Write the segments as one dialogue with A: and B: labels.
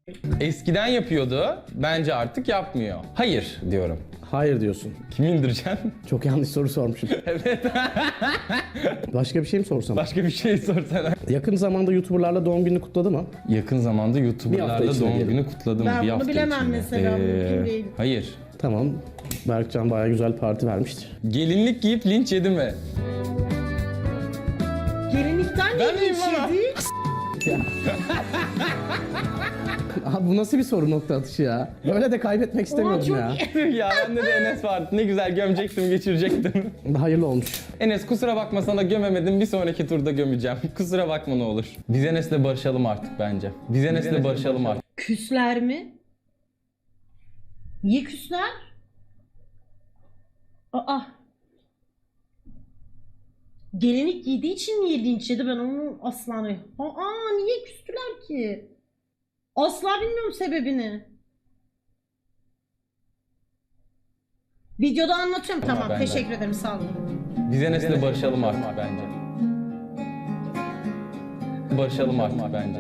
A: Eskiden yapıyordu. Bence artık yapmıyor. Hayır diyorum.
B: Hayır diyorsun.
A: Kimi indireceksin?
B: Çok yanlış soru sormuşum.
A: Evet.
B: Başka bir şey mi sorsam?
A: Başka bir şey sorsana.
B: Yakın zamanda YouTuber'larla doğum gününü kutladı mı?
A: Yakın zamanda
B: Bir hafta
A: YouTuber'larla
B: içinde
A: doğum
B: diyelim.
A: günü kutladım.
C: Ben
A: bir
C: bunu
A: hafta
C: bilemem
A: içinde.
C: mesela, mümkün değil.
A: Hayır.
B: Tamam. Berkcan bayağı güzel parti vermiştir.
A: Gelinlik giyip linç yedi mi?
C: Gelinlikten
A: Ben
C: ne
A: miyim
C: linç
A: ama?
C: yedi?
B: Abi bu nasıl bir soru nokta atışı ya? Böyle de kaybetmek istemiyordum
C: çok
B: ya.
A: Ya bende de Enes vardı. Ne güzel gömecektim, geçirecektim.
B: Hayırlı olmuş.
A: Enes kusura bakma, sana gömemedim. Bir sonraki turda gömeceğim. Kusura bakma ne olur. Biz Enes'le barışalım artık bence. Biz Enes'le barışalım artık.
C: Küsler mi? Niye küsler? Aa. Gelinlik giydiği için niye linç yedi, ben onu asla... niye küstüler ki? Asla bilmiyorum sebebini. Videoda anlatıyorum, tamam,
A: ben de.
C: teşekkür ederim, sağ olun.
A: Biz Enes'le barışalım artık bence. Barışalım artık bence.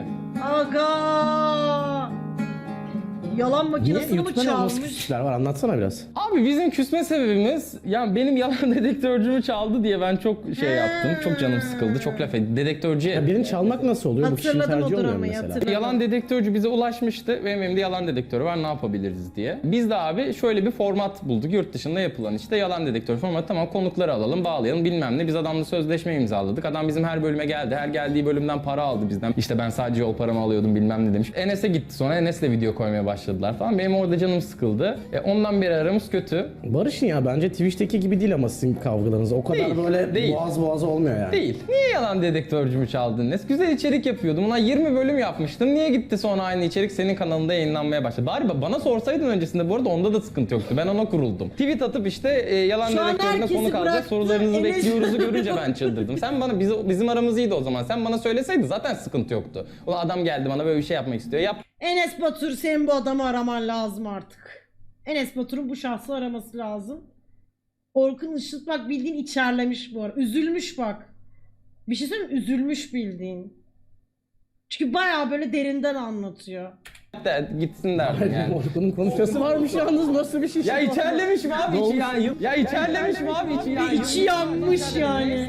C: Aga! Yalan
B: Niye?
C: makinesini mi
B: YouTube'da ne nasıl
C: çalmış?
B: küsüşler var? Anlatsana biraz.
A: Abi bizim küsme sebebimiz, yani benim yalan dedektörcümü çaldı diye ben çok şey yaptım. Çok canım sıkıldı. Çok laf ettim. Dedektörcüye.
B: Ya birini çalmak nasıl oluyor? Bu kişinin
C: Hatırladım o
B: tercihi olmuyor mu
C: dramayı,
B: mesela?
C: hatırladım.
A: Yalan dedektörcü bize ulaşmıştı. Benim elimde yalan dedektörü var, ne yapabiliriz diye. Biz de abi şöyle bir format bulduk. Yurt dışında yapılan işte yalan dedektör formatı. Tamam, konukları alalım, bağlayalım bilmem ne. Biz adamla sözleşme imzaladık. Adam bizim her bölüme geldi. Her geldiği bölümden para aldı bizden. İşte ben sadece yol paramı alıyordum bilmem ne demiş. Enes'e gitti, sonra Enes'le video koymaya başladılar falan. Benim orada canım sıkıldı. Ondan beri aramız kötü.
B: Barış'ın ya bence Twitch'teki gibi değil ama sizin kavgalarınız. O kadar
A: Değil,
B: böyle
A: değil.
B: boğaz boğaza olmuyor yani.
A: Değil. Niye yalan dedektörcümü çaldın Enes? Güzel içerik yapıyordum. Ulan 20 bölüm yapmıştım. Niye gitti sonra aynı içerik senin kanalında yayınlanmaya başladı? Bari bana sorsaydın öncesinde, bu arada onda da sıkıntı yoktu. Ben ona kuruldum. Tweet atıp işte yalan
C: Şu an
A: dedektörüne
C: herkesi
A: konuk alacak,
C: bıraktı,
A: sorularınızı
C: Enes.
A: bekliyoruzu görünce ben çıldırdım. Sen bana, bizim aramız iyiydi o zaman. Sen bana söyleseydin zaten sıkıntı yoktu. Ulan adam geldi bana böyle bir şey yapmak istiyor. Yap.
C: Enes Batur, senin bu adamı araman lazım artık. Enes Batur'un bu şahsı araması lazım. Orkun Işıt bak bildiğin içerlemiş bu ara. Üzülmüş bak. Bir şey söyleyeyim mi? Üzülmüş bildiğin. Çünkü bayağı böyle derinden anlatıyor.
A: De, gitsin derdim yani.
B: Orkun'un konuşması varmış yalnız, nasıl bir şey?
A: Ya içerlemiş mi abi içi ya? Ya içerlemiş mi abi içi ya?
C: İçi yanmış yani.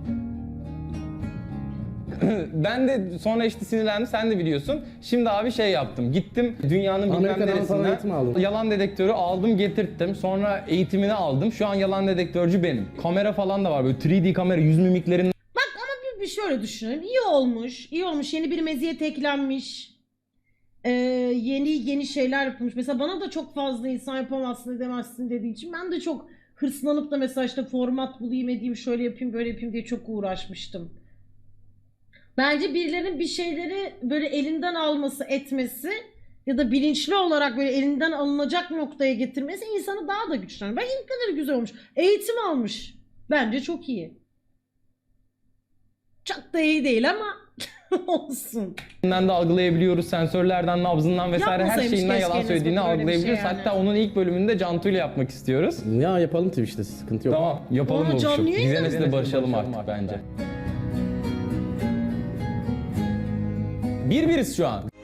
A: Ben de sonra işte sinirlendim, sen de biliyorsun. Şimdi abi şey yaptım, gittim dünyanın bilmem
B: Amerika'dan falan eğitim
A: neresinden
B: aldın.
A: yalan dedektörü aldım getirttim. Sonra eğitimini aldım. Şu an yalan dedektörcü benim. Kamera falan da var, böyle 3D kamera, yüz mimiklerin
C: Bak ama bir şöyle düşünelim. İyi olmuş. İyi olmuş. Yeni bir meziyet eklenmiş. Yeni şeyler yapılmış. Mesela bana da çok fazla insan yapamazsın edemezsin dediği için ben de çok hırslanıp da mesela işte format bulayım edeyim, şöyle yapayım böyle yapayım diye çok uğraşmıştım. Bence birilerinin bir şeyleri böyle elinden alması, etmesi ya da bilinçli olarak böyle elinden alınacak noktaya getirmesi insanı daha da güçlendiriyor. Bak ne kadar güzel olmuş. Eğitim almış. Bence çok iyi. Çok da iyi değil ama olsun.
A: de algılayabiliyoruz. Sensörlerden, nabzından vesaire her
C: Yapmasaymış
A: şeyinden
C: keşke
A: yalan
C: Enes
A: söylediğini
C: Batur öyle bir şey
A: algılayabiliyoruz.
C: yani.
A: Hatta onun ilk bölümünde Cantu ile yapmak istiyoruz.
B: Ya yapalım Twitch'te, sıkıntı yok.
A: Tamam, yapalım
C: Aa,
A: buluşup.
C: canlı
A: Biz
C: yayında
A: Enes'le barışalım artık bence. Bir biriz şu an.